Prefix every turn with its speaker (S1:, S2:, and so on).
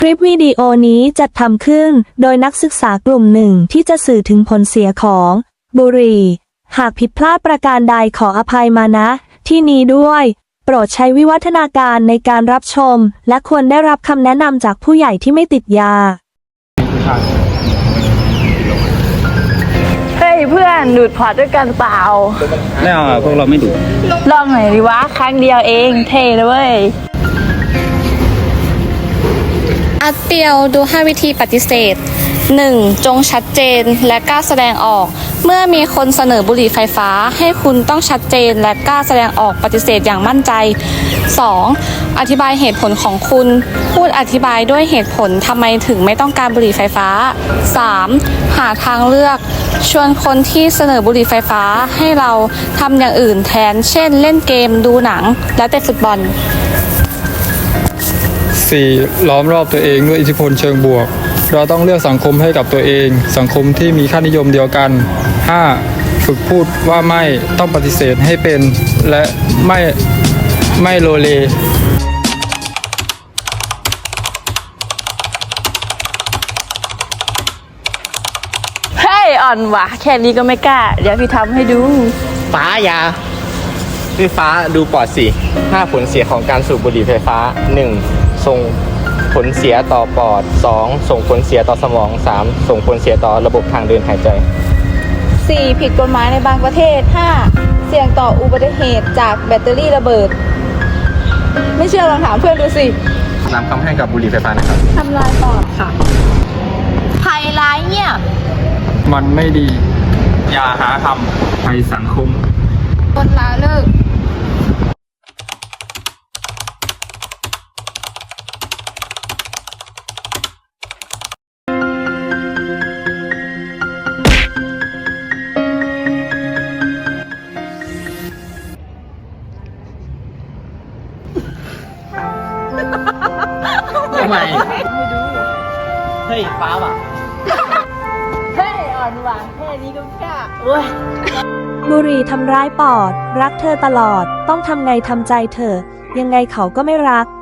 S1: คลิปวิดีโอนี้จัดทำขึ้นโดยนักศึกษากลุ่มหนึ่งที่จะสื่อถึงผลเสียของบุหรี่หากผิดพลาดประการใดขออภัยมาณที่นี้ด้วยโปรดใช้วิวัฒนาการในการรับชมและควรได้รับคำแนะนำจากผู้ใหญ่ที่ไม่ติดยา
S2: เฮ้ยเพื่อนดูดพอร์ตด้วยกันเปล่า
S3: ไม่เอาพวกเราไม่ดู
S2: ลองหน่อยดิวะครั้งเดียวเองเท่เลยเว้ย
S4: อัดเปียวดู 5 วิธีปฏิเสธ 1. จงชัดเจนและกล้าแสดงออกเมื่อมีคนเสนอบุหรี่ไฟฟ้าให้คุณต้องชัดเจนและกล้าแสดงออกปฏิเสธอย่างมั่นใจ 2. อธิบายเหตุผลของคุณพูดอธิบายด้วยเหตุผลทำไมถึงไม่ต้องการบุหรี่ไฟฟ้า 3. หาทางเลือกชวนคนที่เสนอบุหรี่ไฟฟ้าให้เราทำอย่างอื่นแทนเช่นเล่นเกมดูหนังและเตะฟุตบอล
S5: 4. ล้อมรอบตัวเองด้วยอิทธิพลเชิงบวกเราต้องเลือกสังคมให้กับตัวเองสังคมที่มีค่านิยมเดียวกัน 5. ฝึกพูดว่าไม่ต้องปฏิเสธให้เป็นและไม่โลเล
S2: เฮ้ยอ่อนว่ะแค่นี้ก็ไม่กล้าเดี๋ยวพี่ทำให้ดู
S3: ฟ้ายาพี่ฟ้าดูปอดสิ5 ผลเสียของการสูบบุหรี่ไฟฟ้า 1. ส่งผลเสียต่อปอด 2. ส่งผลเสียต่อสมอง 3. ส่งผลเสียต่อระบบทางเดินหายใจ
S6: 4. ผิดกฎหมายในบางประเทศ 5. เสี่ยงต่ออุบัติเหตุจากแบตเตอรี่ระเบิดไม่เชื่อลองถามเพื่อนดูสิ
S3: นำคำให้กับบุหรี่ไฟฟ้านะครับ
S6: ทำลายปอดค่ะภัยร้ายเงียบ
S5: มันไม่ดีอย่าหาทำภัยสังคม
S6: คนละเลิก
S3: ทำไมเฮ้ยฟ้าว่ะ
S2: เฮ้ยอ่อนว่ะแค่นี้ก็กล้าเว้ย
S1: บุหรี่ทำร้ายปอดรักเธอตลอดต้องทำไงทำใจเธอยังไงเขาก็ไม่รัก